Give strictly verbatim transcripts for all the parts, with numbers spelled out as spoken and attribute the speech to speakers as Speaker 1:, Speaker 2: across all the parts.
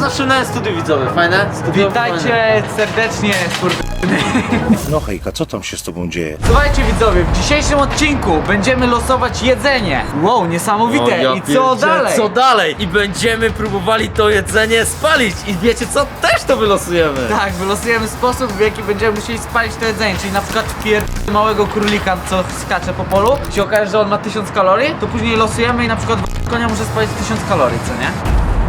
Speaker 1: naszym nowym studiu, widzowie, fajne? Studio,
Speaker 2: Witajcie
Speaker 1: fajne.
Speaker 2: serdecznie, skurwysyny.
Speaker 3: No hejka, co tam się z tobą dzieje?
Speaker 2: Słuchajcie widzowie, w dzisiejszym odcinku będziemy losować jedzenie. Wow, niesamowite.
Speaker 1: O, ja
Speaker 2: I co
Speaker 1: pierdzie,
Speaker 2: dalej?
Speaker 1: Co dalej? I będziemy próbowali to jedzenie spalić. I wiecie co? Też to wylosujemy.
Speaker 2: Tak, wylosujemy sposób, w jaki będziemy musieli spalić to jedzenie. Czyli na przykład pier... małego królika, co skacze po polu. Jeśli okaże, że on ma tysiąc kalorii, to później losujemy i na przykład konia może spalić tysiąc kalorii, co nie?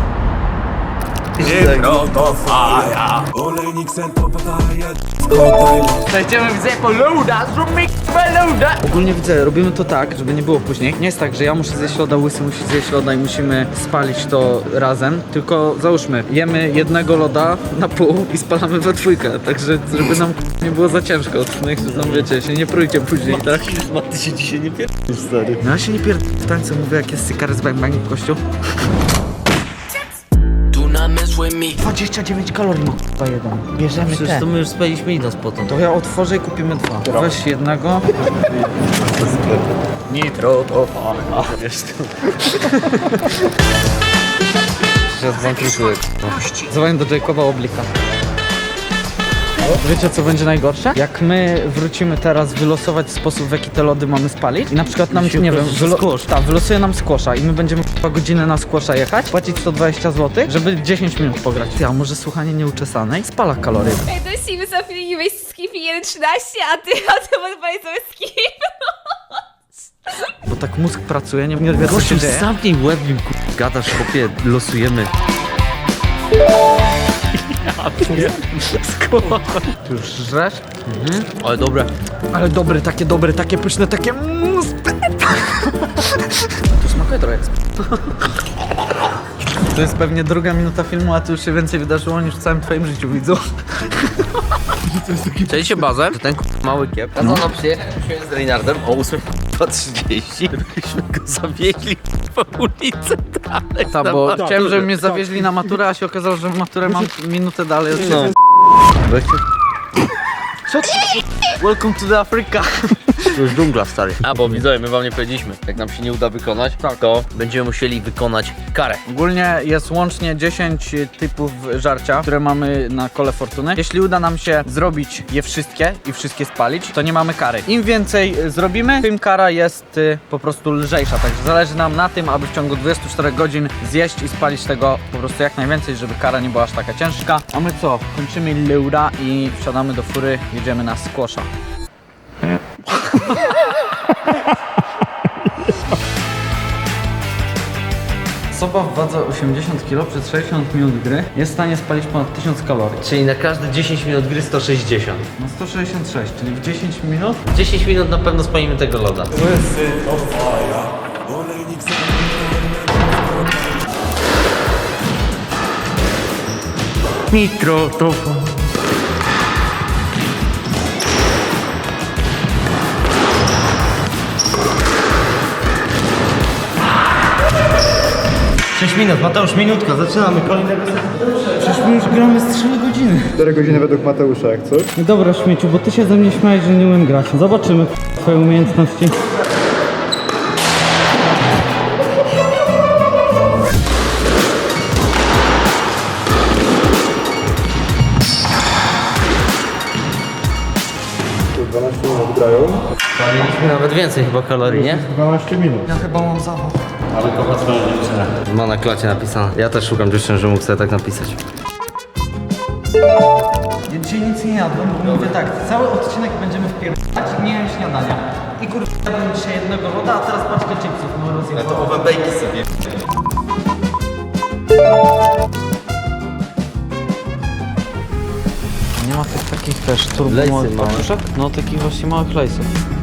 Speaker 2: Przejdziemy widzę po loada, zróbmy loada. Ogólnie widzę, robimy to tak, żeby nie było później. Nie jest tak, że ja muszę zjeść loda, Łysy musi zjeść loda i musimy spalić to razem. Tylko załóżmy, jemy jednego loda na pół i spalamy we dwójkę. Także żeby nam nie było za ciężko. No jak tam wiecie, się nie prójcie później, tak?
Speaker 1: Ma ty się dzisiaj nie pierdolisz, stary.
Speaker 2: No ja się nie pierd... w tańcu mówię, jak jest sykary z bang bang w kościół. dwadzieścia dziewięć kalorii ma k***a jeden. Bierzemy
Speaker 1: Przecież
Speaker 2: te.
Speaker 1: to my już spaliśmy i nas potem.
Speaker 2: To ja otworzę i kupimy dwa. Weź jednego.
Speaker 1: Nitro to fajna. Wiesz to. Teraz bankrutuję.
Speaker 2: Dzwonię do Jacoba Oblika. Wiecie co będzie najgorsze? Jak my wrócimy teraz wylosować sposób, w jaki te lody mamy spalić i na przykład nam,
Speaker 1: się
Speaker 2: nie wiem,
Speaker 1: okaże, że
Speaker 2: wylo-
Speaker 1: squash.
Speaker 2: tak, wylosuje nam squasha i my będziemy dwa godziny na squasha jechać, płacić sto dwadzieścia złotych, żeby dziesięć minut pograć. Ja może słuchanie nieuczesanej spala kalorie.
Speaker 4: Ej, to jest siwy Sofii i weź skip i jeden trzynaście, a ty, a ty odpowiedz sobie skip.
Speaker 2: Bo tak mózg pracuje, nie, nie wie co się
Speaker 1: Gościu,
Speaker 2: dzieje.
Speaker 1: zamknij łeb, im ku... gadasz, chłopie, losujemy.
Speaker 2: Ty już żresz?
Speaker 1: Mhm. Ale dobre.
Speaker 2: Ale dobre, takie dobre, takie pyszne, takie mm, to smakuje trochę jak sp- To jest pewnie druga minuta filmu, a tu już się więcej wydarzyło niż w całym twoim życiu, widzą.
Speaker 1: Chcieliście bazę? To ten ku... mały kiep. Kazano przyjechać z Reinardem o ósma trzydzieści, byśmy go zawieźli po ulicy dalej.
Speaker 2: Ta, bo chciałem, żeby mnie zawieźli na maturę, a się okazało, że maturę mam minutę dalej od
Speaker 1: No.
Speaker 2: Co ty? Welcome to the Africa.
Speaker 1: To już dżungla, stary. A, bo widzowie, my wam nie powiedzieliśmy. Jak nam się nie uda wykonać, to będziemy musieli wykonać karę.
Speaker 2: Ogólnie jest łącznie dziesięć typów żarcia, które mamy na kole fortuny. Jeśli uda nam się zrobić je wszystkie i wszystkie spalić, to nie mamy kary. Im więcej y, zrobimy, tym kara jest y, po prostu lżejsza. Także zależy nam na tym, aby w ciągu dwudziestu czterech godzin zjeść i spalić tego po prostu jak najwięcej, żeby kara nie była aż taka ciężka. A my co? Kończymy leura i wsiadamy do fury, jedziemy na squasha. Osoba w wadze osiemdziesiąt kilo przez sześćdziesiąt minut gry jest w stanie spalić ponad tysiąc kalorii.
Speaker 1: Czyli na każde dziesięć minut gry sto sześćdziesiąt.
Speaker 2: No sto sześćdziesiąt sześć, czyli w dziesięć minut.
Speaker 1: dziesięć minut na pewno spalimy tego loda. Nitro to sześć minut, Mateusz, minutka, zaczynamy kolejnego seta.
Speaker 2: Przecież my już gramy z trzy godziny.
Speaker 5: cztery godziny według Mateusza, jak coś?
Speaker 2: No dobra, śmieciu, bo ty się ze mnie śmiałeś, że nie umiem grać. Zobaczymy twoje umiejętności.
Speaker 5: dwanaście minut grają.
Speaker 1: Spaliliśmy nawet więcej chyba kalorii, nie?
Speaker 5: dwanaście minut.
Speaker 2: Ja chyba mam zawał.
Speaker 1: Ma na klacie napisane. Ja też szukam dziewczyn, że mógł sobie tak napisać.
Speaker 2: Ja dzisiaj nic nie jadłem, bo mówię tak, cały odcinek będziemy wpierdać, nie jem śniadania. I kurwa, jadłem dzisiaj jednego loda, a teraz paczkę chipsów, no rozjebałem.
Speaker 1: owe bejki sobie.
Speaker 2: Nie ma tych takich też turbo
Speaker 1: Lejsy
Speaker 2: małych
Speaker 1: małe.
Speaker 2: paczuszek? No takich właśnie małych lejsów.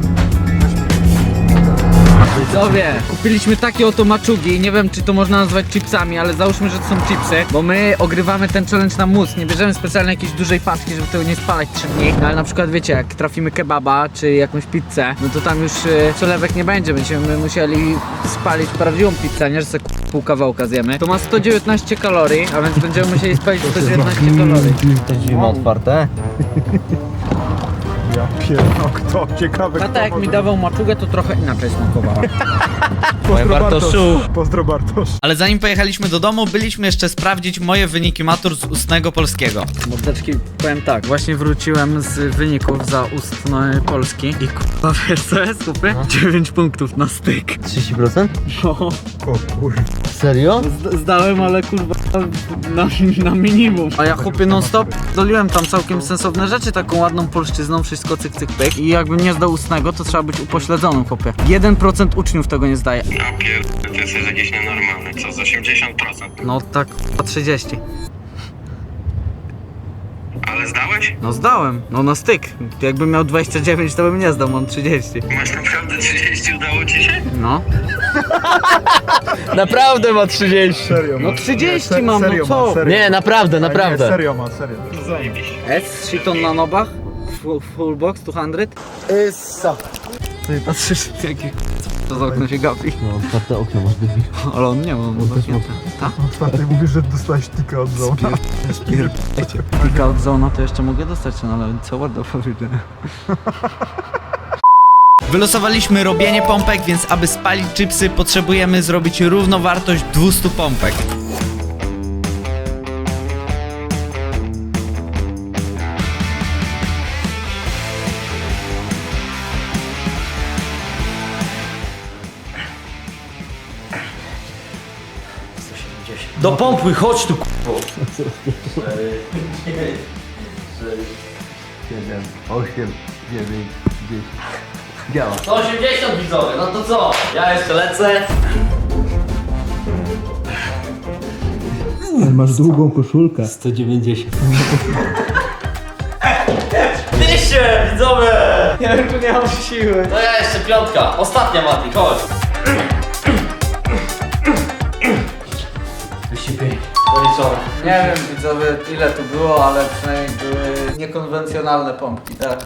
Speaker 2: Widzowie, kupiliśmy takie oto maczugi, nie wiem czy to można nazwać chipsami, ale załóżmy, że to są chipsy, bo my ogrywamy ten challenge na mózg, nie bierzemy specjalnie jakiejś dużej paczki, żeby tego nie spalać trzy dni, no ale na przykład wiecie, jak trafimy kebaba czy jakąś pizzę, no to tam już y, przelewek nie będzie, będziemy musieli spalić prawdziwą pizzę, nie że sobie pół kawałka zjemy. To ma sto dziewiętnaście kalorii, a więc będziemy musieli spalić sto dziewiętnaście kalorii.
Speaker 1: Te drzwi ma otwarte.
Speaker 5: pierdolę, kto? Ciekawe,
Speaker 2: Tata
Speaker 5: kto
Speaker 2: jak mi
Speaker 5: może-
Speaker 2: dawał maczugę, to trochę inaczej smakowała.
Speaker 5: Pozdro
Speaker 1: Bartoszu.
Speaker 5: Bartosz. Pozdro Bartosz.
Speaker 2: Ale zanim pojechaliśmy do domu, byliśmy jeszcze sprawdzić moje wyniki matur z ustnego polskiego. Mordeczki, powiem tak, właśnie wróciłem z wyników za ustny polski i k***a, wiesz co jest, kupy? dziewięć punktów na styk.
Speaker 1: trzydzieści procent?
Speaker 2: No,
Speaker 5: O kurwa.
Speaker 1: Serio?
Speaker 2: z- zdałem, ale kurwa na, na minimum. A ja chłopie non stop doliłem tam całkiem sensowne rzeczy, taką ładną polszczyzną, wszystko cyk cyk pyk. I jakbym nie zdał ustnego, to trzeba być upośledzonym, chłopie. jeden procent uczniów tego nie zdaje.
Speaker 6: A pier... to jest jakieś nienormalne, co z osiemdziesiąt procent.
Speaker 2: No tak k***a, trzydzieści.
Speaker 6: Ale zdałeś?
Speaker 2: No zdałem, no na styk. Jakbym miał dwadzieścia dziewięć, to bym nie zdał, mam trzydzieści.
Speaker 6: Masz naprawdę trzydzieści, udało ci się?
Speaker 2: No.
Speaker 1: Naprawdę ma trzydzieści.
Speaker 5: Serio
Speaker 2: No
Speaker 5: ma.
Speaker 2: trzydzieści
Speaker 5: Se-
Speaker 2: mam, no
Speaker 5: serio
Speaker 2: co?
Speaker 5: ma, serio.
Speaker 1: Nie, naprawdę,
Speaker 5: A nie,
Speaker 1: naprawdę.
Speaker 5: serio ma, serio.
Speaker 2: S, shiton na nobach, full, full box, dwieście. Essa. Ty patrzysz, jaki to za okno się gapi.
Speaker 1: No, otwarte okno masz debil.
Speaker 2: Ale on nie ma, on zamknięte. Tak?
Speaker 5: Ostatnio mówisz, że dostałeś tika od zona.
Speaker 2: Pika od zona to jeszcze mogę dostać, no ale co ładno powiedziane. Wylosowaliśmy robienie pompek, więc aby spalić chipsy potrzebujemy zrobić równowartość dwieście pompek.
Speaker 1: Do pompy, chodź tu k***o. siedem, osiem, dziewięć, dziesięć. Działa. sto osiemdziesiąt widzowie, no to co? Ja jeszcze lecę.
Speaker 5: Masz długą koszulkę.
Speaker 1: sto dziewięćdziesiąt. dwieście widzowie!
Speaker 2: Ja już nie mam siły.
Speaker 1: To ja jeszcze piątka. Ostatnia Mati, chodź. dwieście pięć. Zaliczone.
Speaker 2: Nie wiem widzowie ile tu było, ale przynajmniej były niekonwencjonalne pompki, tak?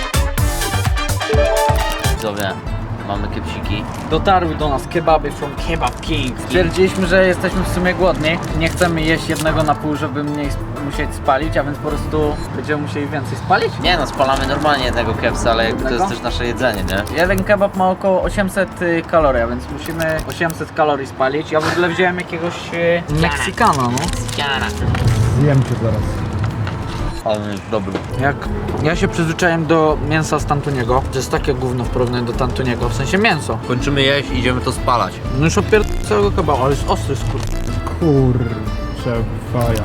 Speaker 1: Widzowie, mamy kepsiki.
Speaker 2: Dotarły do nas kebaby from Kebab King. Stwierdziliśmy, że jesteśmy w sumie głodni. Nie chcemy jeść jednego na pół, żeby mniej sp- musieć spalić, a więc po prostu będziemy musieli więcej spalić.
Speaker 1: Nie no, spalamy normalnie jednego kepsa, ale jakby to
Speaker 2: Jednego?
Speaker 1: jest też nasze jedzenie, nie?
Speaker 2: Jeden kebab ma około osiemset y, kalorii, a więc musimy osiemset kalorii spalić. Ja w ogóle wziąłem jakiegoś y, Meksykana, no.
Speaker 5: Zjem cię zaraz.
Speaker 1: Ale jest dobry.
Speaker 2: Jak ja się przyzwyczaiłem do mięsa z Tantuniego, to jest takie gówno w porównaniu do Tantuniego, w sensie mięso.
Speaker 1: Kończymy jeść, idziemy to spalać.
Speaker 2: No już opier... całego kebaba, ale jest ostry skur...
Speaker 5: Kurczę, faja.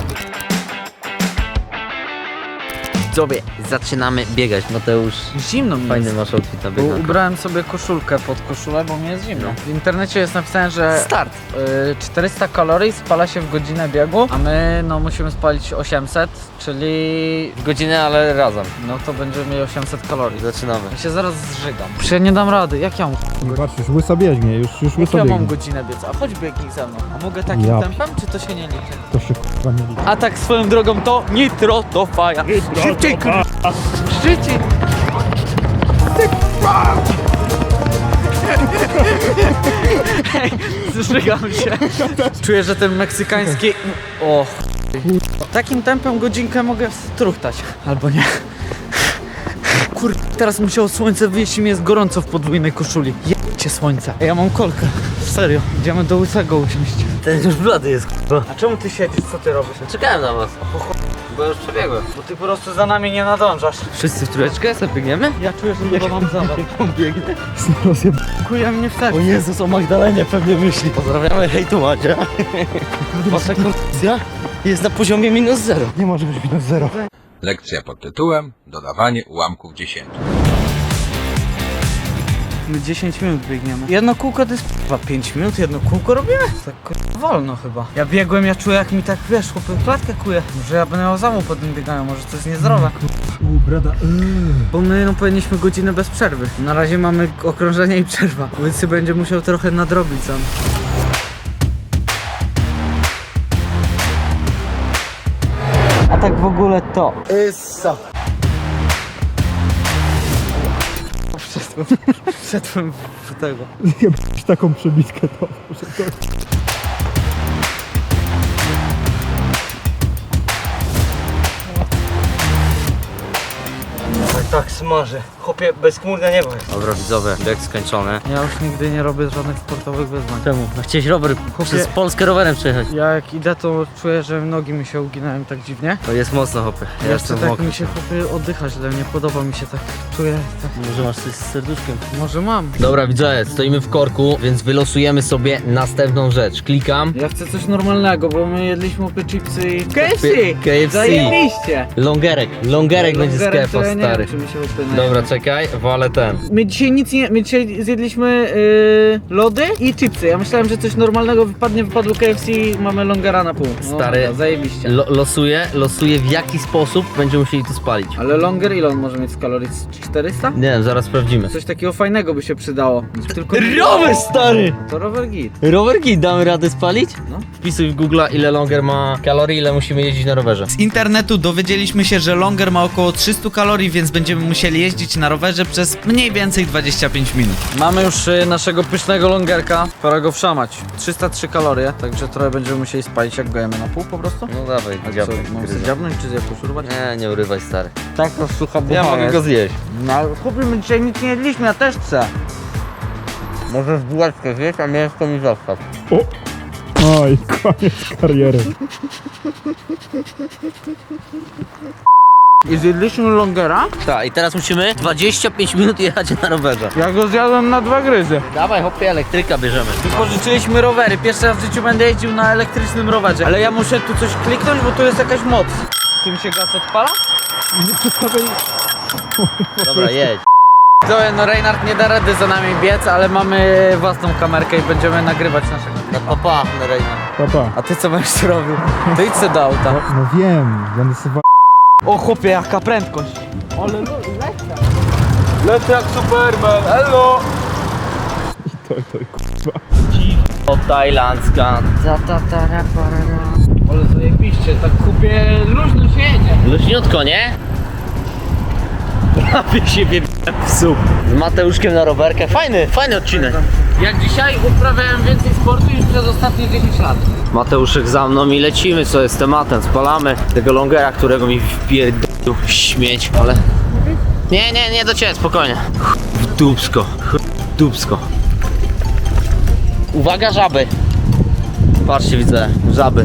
Speaker 1: Widzowie, zaczynamy biegać. Mateusz,
Speaker 2: Zimno mi
Speaker 1: fajny
Speaker 2: jest.
Speaker 1: masz outfit na
Speaker 2: Bo
Speaker 1: bieganko.
Speaker 2: ubrałem sobie koszulkę pod koszulę, bo mi jest zimno. W internecie jest napisane, że
Speaker 1: Start.
Speaker 2: y, czterysta kalorii spala się w godzinę biegu, a my no musimy spalić osiemset, czyli
Speaker 1: Godzinę, ale razem.
Speaker 2: no to będziemy mieli osiemset kalorii.
Speaker 1: Zaczynamy.
Speaker 2: Ja się zaraz zżygam. Przecież ja nie dam rady, jak ja mam,
Speaker 5: Nie patrz, już łysa biegnie, już, już
Speaker 2: jak
Speaker 5: łysa
Speaker 2: ja mam
Speaker 5: biegnie.
Speaker 2: godzinę biec, a chodź biegnij ze mną. A mogę takim
Speaker 5: Ja.
Speaker 2: tempem, czy to się nie liczy?
Speaker 5: To się kurwa nie liczy.
Speaker 2: A tak swoją drogą to nitro to faja. Szybciej kurwa! Szybciej! Hej, zżygam się. Czuję, że ten meksykański... O takim tempem godzinkę mogę struchtać. Albo nie. Kur... teraz musiało słońce wyjść i mi jest gorąco w podwójnej koszuli. Jebcie słońce. Ja mam kolkę. Serio, idziemy do łysego usiąść.
Speaker 1: Ten już blady jest, k***a.
Speaker 2: A czemu ty siedzisz? Co ty robisz?
Speaker 1: Czekałem na was. Bo już przebiegłem.
Speaker 2: Bo ty po prostu za nami nie nadążasz.
Speaker 1: Wszyscy w trójeczkę sobie biegniemy?
Speaker 2: Ja czuję, że chyba mam zawał.
Speaker 5: On biegnie. Rozjeb...
Speaker 2: Kuje mnie w serce.
Speaker 1: Jezus, o Magdalenie pewnie myśli. Pozdrawiamy, hej tu Macie. Wasza kondycja jest na poziomie minus zero.
Speaker 5: Nie może być minus zero.
Speaker 7: Lekcja pod tytułem Dodawanie ułamków dziesięciu.
Speaker 2: My dziesięć minut biegniemy. Jedno kółko to jest chyba pięć minut, jedno kółko robimy? Tak kurwa wolno chyba. Ja biegłem, ja czuję jak mi tak wiesz, chłopy klatkę kuje. Może ja będę miał zawał po tym bieganiu, może to jest niezdrowe.
Speaker 5: U, brada,
Speaker 2: Bo my no powinniśmy godzinę bez przerwy. Na razie mamy okrążenie i przerwa, więc się będzie musiał trochę nadrobić sam. A tak w ogóle to. Issa. Wszedłem, wszedłem w tego.
Speaker 5: Jebać taką przebitkę to. Może to...
Speaker 8: tak smaży. Chłopie, bezchmurne niebo jest.
Speaker 1: Dobra widzowie, bieg skończony.
Speaker 2: Ja już nigdy nie robię żadnych sportowych wyzwań.
Speaker 1: Czemu? A chciałeś rower przez Polskę rowerem przejechać?
Speaker 2: Ja jak idę, to czuję, że nogi mi się uginają tak dziwnie.
Speaker 1: To jest mocno hopy. Ja
Speaker 2: Ja
Speaker 1: jestem
Speaker 2: tak
Speaker 1: mokry.
Speaker 2: mi się chłopie oddycha źle, nie podoba mi się tak. Czuję tak.
Speaker 1: Może masz coś z serduszkiem?
Speaker 2: Może mam.
Speaker 1: Dobra widzowie, stoimy w korku, więc wylosujemy sobie następną rzecz. Klikam.
Speaker 2: Ja chcę coś normalnego, bo my jedliśmy opie chipsy i... K F C!
Speaker 1: K F C.
Speaker 2: Zajebiście!
Speaker 1: Longerek. Longerek będzie z
Speaker 2: Longerek to
Speaker 1: kefa,
Speaker 2: ja nie
Speaker 1: stary.
Speaker 2: wiem, czy mi się opie
Speaker 1: Dobra, czekaj, walę ten.
Speaker 2: My dzisiaj nic nie... My dzisiaj zjedliśmy yy, lody i chipsy. Ja myślałem, że coś normalnego wypadnie, wypadło K F C i mamy longera na pół. No,
Speaker 1: Stary,
Speaker 2: dobra, zajebiście.
Speaker 1: Lo losuję, losuję w jaki sposób będziemy musieli to spalić.
Speaker 2: Ale longer ile on może mieć z kalorii? czterysta?
Speaker 1: Nie wiem, zaraz sprawdzimy.
Speaker 2: Coś takiego fajnego by się przydało. Tylko...
Speaker 1: Rower, stary!
Speaker 2: To rower git.
Speaker 1: Rowerki damy radę spalić?
Speaker 2: No.
Speaker 1: Wpisuj w Google ile longer ma kalorii, ile musimy jeździć na rowerze.
Speaker 2: Z internetu dowiedzieliśmy się, że longer ma około trzysta kalorii, więc będziemy musieli jeździć na rowerze przez mniej więcej dwadzieścia pięć minut. Mamy już y, naszego pysznego longerka, pora go wszamać. trzysta trzy kalorie, także trochę będziemy musieli spalić, jak go jemy na pół po prostu.
Speaker 1: No dawaj,
Speaker 2: A co,
Speaker 1: dziabnij.
Speaker 2: mam sobie dziabnąć czy jakoś urwać?
Speaker 1: Nie, nie urywaj, stary.
Speaker 2: Tak, to sucha
Speaker 1: Ja mogę go zjeść.
Speaker 2: No ale chłopie, my dzisiaj nic nie jedliśmy, ja też chcę.
Speaker 1: Możesz bułeczkę zjeść, a mięsko mi zostaw.
Speaker 5: Oj, koniec kariery.
Speaker 2: I zjedliśmy longera?
Speaker 1: Tak, i teraz musimy dwadzieścia pięć minut jechać na rowerze.
Speaker 2: Ja go zjadłem na dwa gryzy.
Speaker 1: Dawaj, hopie, elektryka bierzemy.
Speaker 2: Wypożyczyliśmy rowery, pierwszy raz w życiu będę jeździł na elektrycznym rowerze. Ale ja muszę tu coś kliknąć, bo tu jest jakaś moc. Tym się gaz odpala?
Speaker 1: Dobra, jedź.
Speaker 2: Zoe, no Reinhard nie da rady za nami biec, ale mamy własną kamerkę i będziemy nagrywać naszego.
Speaker 1: No papa, na Rejna.
Speaker 5: Papa.
Speaker 2: A ty co będziesz robił? To idź se do auta.
Speaker 5: No wiem, będę sobie...
Speaker 2: O chłopie, jaka prędkość. Ale lecę. Lecę jak Superman, hello!
Speaker 5: To, to, kurwa.
Speaker 1: O, tajlandzka.
Speaker 2: Ta, ta, ta, ra, pa, ra, ra. Ale zajebiście, tak kupię, luźno się jedzie.
Speaker 1: Luźniutko, nie? Prawie się wie w słup. Z Mateuszkiem na rowerkę. Fajny, fajny odcinek.
Speaker 2: Jak dzisiaj uprawiałem więcej sportu niż przez ostatnie dziesięć lat.
Speaker 1: Mateuszek za mną i lecimy, co jest tematem. Spalamy tego longera, którego mi wpierdolił śmieć, ale... Nie, nie, nie do ciebie, spokojnie. W dupsko, w dupsko. Uwaga, żaby. Patrzcie, widzę, żaby.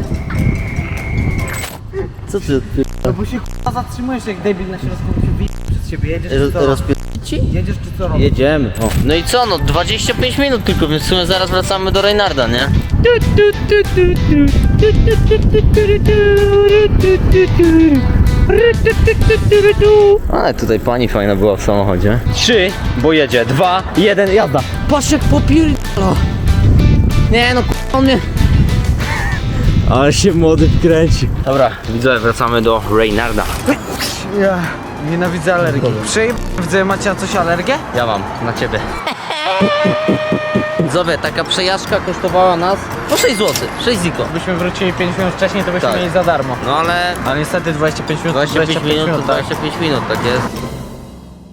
Speaker 1: Co ty?
Speaker 2: No bo się k***a zatrzymujesz jak debil na środku, się wyje przed siebie, jedziesz czy co?
Speaker 1: Rozpier...
Speaker 2: Jedziesz czy co robisz?
Speaker 1: Jedziemy. O. No i co, no dwadzieścia pięć minut tylko, więc w sumie zaraz wracamy do Reinharda, nie? Ale tutaj pani fajna była w samochodzie. Trzy, bo jedzie. Dwa, jeden, jazda. Patrz jak popierdala. Nie no, k***a, on mnie... Ale się młody wkręci. Dobra, widzę, wracamy do Reinharda.
Speaker 2: Ja nienawidzę alergii. Przyjm... Widzę, macie na coś alergię?
Speaker 1: Ja mam, na ciebie. Widzowie, taka przejażdżka kosztowała nas po sześć złotych, sześć ziko.
Speaker 2: Gdybyśmy wrócili pięć minut wcześniej, to byśmy
Speaker 1: Tak.
Speaker 2: mieli za darmo.
Speaker 1: No ale
Speaker 2: Ale niestety dwadzieścia pięć minut,
Speaker 1: dwadzieścia pięć minut to
Speaker 2: tak?
Speaker 1: dwadzieścia pięć minut, tak jest.